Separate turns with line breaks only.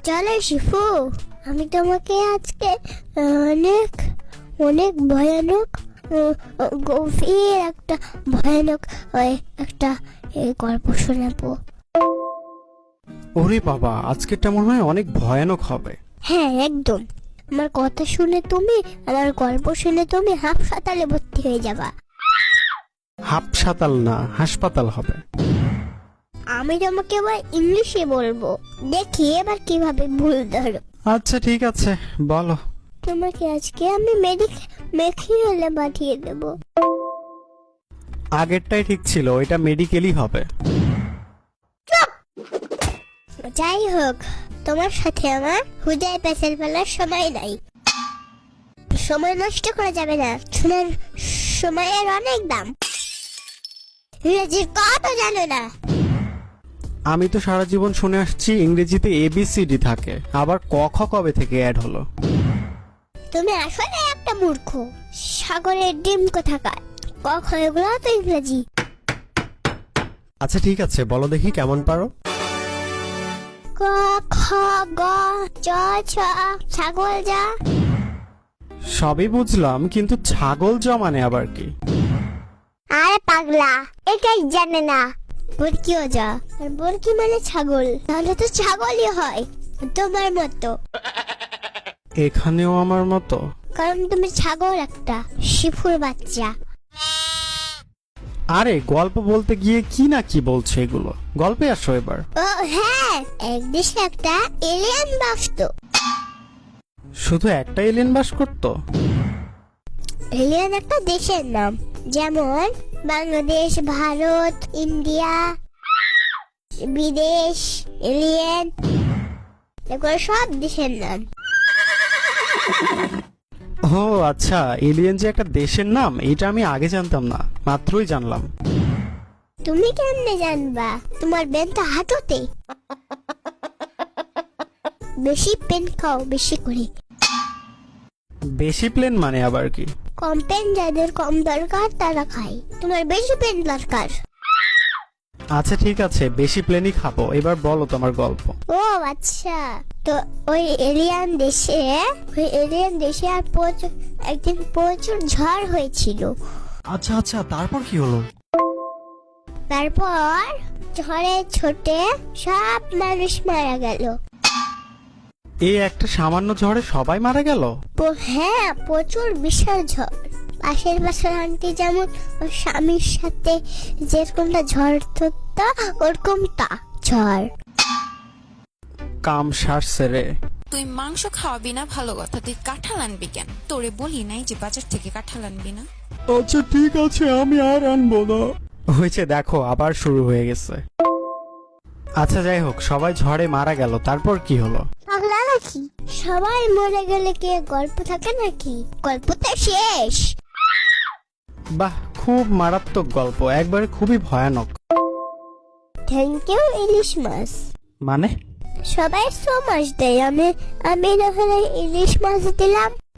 চলো শিফু, আমি তোমাকে আজকে অনেক অনেক ভয়ানক গভীর একটা ভয়ানক একটা গল্প শোনাবো।
ওরে বাবা, আজকেরটা মনে হয় অনেক ভয়ানক হবে।
হ্যাঁ একদম, আমার কথা শুনে তুমি, আমার গল্প শুনে তুমি হাসপাতালে ভর্তি হয়ে যাবা।
হাসপাতাল না, হাসপাতাল হবে।
আমি তোমাকে এবার ইংলিশে বলবো, দেখি এবার কিভাবে ভুল ধরো।
আচ্ছা ঠিক আছে, বলো।
তোমাকে আজকে আমি মেডিকেলে পাঠিয়ে দেবো।
আগেরটাই ঠিক ছিল, এটা মেডিকেলই হবে।
যাই হোক, তোমার সাথে আমার হুদায় পেছাল ফেলার সময় নাই। সময় নষ্ট করা যাবে না, শোনার সময়ের অনেক দাম। ইংরেজির কত জানো না?
আমি তো সারা জীবন শুনে আসছি ইংরেজিতে ABCD থাকে, আবার ক খ কবে থেকে অ্যাড হলো?
তুমি আসলে একটা মূর্খ, সাগরের ডিম কোথাকার। কখন এগুলো তো ইংরেজি।
আচ্ছা ঠিক আছে, বলো দেখি কেমন পারো।
ক খ গ চ ছ, ছাগল যা।
সবই বুঝলাম, কিন্তু ছাগল জমানে আবার কি?
আরে পাগলা, এটাই জানে না। বরকিও যা, আর বরকি মানে ছাগল, তাহলে তো ছাগলই হয় তোমার মতো।
এখানেও আমার মতো?
কারণ তুমি ছাগল একটা, শিফুর বাচ্চা।
আরে গল্প বলতে গিয়ে কি না কি বলছে এগুলো, গল্পে আসো এবার।
ও হ্যাঁ, এক দেশে একটা এলিয়েন বাসতো।
শুধু একটা এলিয়েন বাস করতো?
এলিয়েন একটা দেশের নাম, যেমন বাংলাদেশ, ভারত, ইন্ডিয়া, বিদেশ, এলিয়েন, এগুলো সব দেশের নাম।
ও আচ্ছা, এলিয়েন যে একটা দেশের নাম এটা আমি আগে জানতাম না, মাত্রই জানলাম।
তুমি কেমনে জানবা? তোমার বেন তো হাঁটুতে। বেশি পেন খাও, বেশি করে।
বেশি প্লেন মানে আবার কি?
কম পেন যাদের কম দরকার তারা খায়, তোমার বেশি পেন দরকার।
আচ্ছা ঠিক আছে, বেশি প্লেনই খাবো। এবার বলো তোমার গল্প।
ও আচ্ছা, তো ওই এলিয়ান দেশে আর একদিন প্রচুর ঝড় হয়েছিল।
আচ্ছা আচ্ছা, তারপর কি হলো?
তারপর ঝড়ে ছোটে সব মানুষ মারা গেল।
এই একটা সামান্য ঝড়ে সবাই মারা গেল?
হ্যাঁ, প্রচুর বিশাল ঝড়। পাশের বাসার আন্টি যেমন ওর স্বামীর সাথে যেরকমটা ঝড় ধরতো, ওরকমটা ঝড়।
কাম সারছে রে।
তুই মাংস খাওয়াবি না ভালো কথা, তুই কাঁঠাল আনবি কেন? তোরে বলি নাই যে বাজার থেকে কাঁঠাল আনবি না?
আচ্ছা ঠিক আছে, আমি আর আনবো না। হয়েছে, দেখো আবার শুরু হয়ে গেছে। আচ্ছা যাই হোক, সবাই ঝড়ে মারা গেল, তারপর কি হলো?
পাগলা নাকি? সবাই মরে গেলে কি গল্প থাকে নাকি? গল্পটা শেষ।
বাহ, খুব মারাত্মক গল্প, একবারে খুবই ভয়ানক।
থ্যাংক ইউ ইলিশ মাছ।
মানে?
সবাই সো মাছ দেয়, আমি না হলে ইলিশ মাছ দিলাম।